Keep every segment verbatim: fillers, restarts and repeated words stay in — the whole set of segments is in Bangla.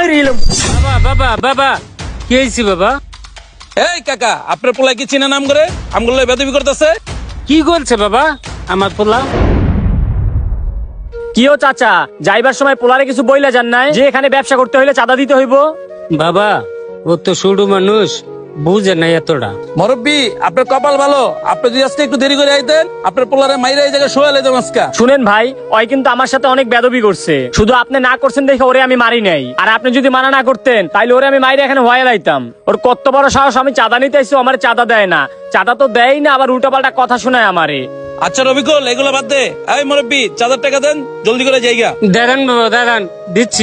মরে গেলাম। বাবা বাবা বাবা কি হয়েছে বাবা? এই কাকা, আপনার পোলা কি চিনা নাম করে আমগুলো বেদবি করতেছে? কি করছে বাবা আমার পোলা? কিও চাচা, যাইবার সময় পোলারে কিছু বইলা যান নাই যে এখানে ব্যবসা করতে হইলে চাঁদা দিতে হইব? বাবা ও তো শুরু মানুষ, বুঝে নাই এতটা। মুরব্বি, আপনার কপাল ভালো, আপনি যদি আজকে একটু দেরি করে আইতেন আপনার পোলারে মাইরা এই জায়গায় শোয়া লাইতাম আজকা। শুনেন ভাই, ওই কিন্তু আমার সাথে অনেক বেদবি করছে, শুধু আপনি না করছেন দেখে ওরে আমি মারি নাই। আর আপনি যদি মানা না করতেন তাইলে ওরে আমি মাইরে এখানে হয়ে লাইতাম। ওর কত বড় সাহস, আমি চাঁদা নিতে আইছি, আমার চাঁদা দেয় না। চাঁদা তো দেয় না, আবার উল্টাপাল্টা কথা শোনায় আমারে। আচ্ছা রবিকুল, এগুলো বাদ দে। এই মুরব্বি, চাঁদার টাকা দেন, জলদি করে জায়গা। দাঁড়ান বাবা দাঁড়ান, দিচ্ছি।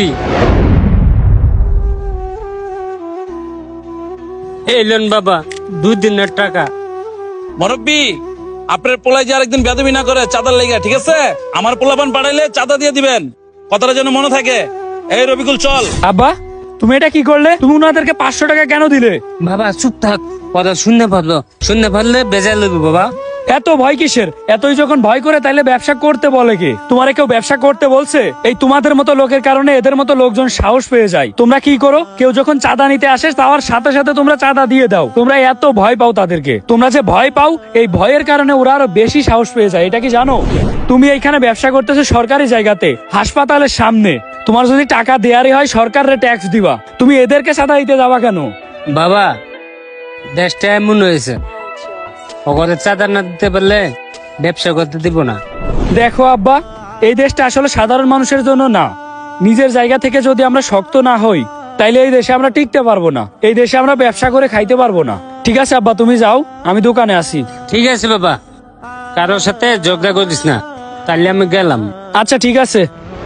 এই লোন বাবা দুই দিনের টাকা। মুরব্বি, আপনার পোলাই যে আরেকদিন বেদবি না করে চাঁদার লেগা, ঠিক আছে? আমার পোলাপান পাঠাইলে চাঁদা দিয়ে দিবেন, কথাটা যেন মনে থাকে। এই রবিকুল চল। আব্বা, তুমি এটা কি করলে? তুমি উনাদেরকে পাঁচশো টাকা কেন দিলে? বাবা চুপ থাক, কথা শুনতে পারলো, শুনতে পারলে বেজায় লাগবে বাবা। এত ভয় কিসের? এতই যখন ভয় করে তাইলে ব্যবসা করতে বলে কে? তোমারে কেউ ব্যবসা করতে বলছে? এই তোমাদের মতো লোকের কারণে এদের মতো লোকজন সাহস পেয়ে যায়। তোমরা কি করো? কেউ যখন চাঁদা নিতে আসে তার সাথে সাথে তোমরা চাঁদা দিয়ে দাও। তোমরা এত ভয় পাও তাদেরকে। তোমরা যে ভয় পাও, এই ভয়ের কারণে ওরা আরো বেশি সাহস পেয়ে যায়। এটা কি জানো? তুমি এইখানে ব্যবসা করতেছো সরকারি জায়গাতে, হাসপাতালের সামনে। তোমার যদি টাকা দেয়ারই হয় সরকারের ট্যাক্স দিবা, তুমি এদেরকে চাঁদা দিতে যাবা কেন? বাবা দেশটা এমন হয়েছে, ওদের চাঁদা না দিতে পারলে ব্যবসা করতে দিব না। দেখো আব্বা, এই দেশটা আসলে সাধারণ মানুষের জন্য না। নিজের জায়গা থেকে যদি আমরা শক্ত না হই তাইলে এই দেশে আমরা টিকতে পারবো না। এই দেশে আমরা ব্যবসা করে খাইতে পারবো না। ঠিক আছে আব্বা, তুমি যাও, আমি দোকানে আসি। ঠিক আছে বাবা, কারোর সাথে ঝগড়া করিস না, তাহলে আমি গেলাম। আচ্ছা ঠিক আছে।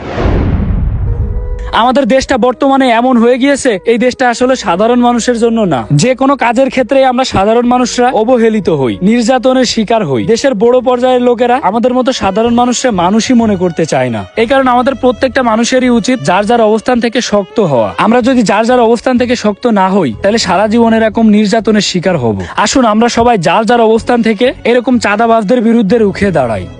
আমাদের দেশটা বর্তমানে এমন হয়ে গিয়েছে, এই দেশটা আসলে সাধারণ মানুষের জন্য না। যে কোনো কাজের ক্ষেত্রে আমরা সাধারণ মানুষরা অবহেলিত হই, নির্যাতনের শিকার হই। দেশের বড় পর্যায়ের লোকেরা আমাদের মতো সাধারণ মানুষরা মানুষই মনে করতে চায় না। এই কারণে আমাদের প্রত্যেকটা মানুষেরই উচিত যার যার অবস্থান থেকে শক্ত হওয়া। আমরা যদি যার যার অবস্থান থেকে শক্ত না হই তাহলে সারা জীবন এরকম নির্যাতনের শিকার হব। আসুন আমরা সবাই যার যার অবস্থান থেকে এরকম চাঁদাবাজদের বিরুদ্ধে রুখে দাঁড়াই।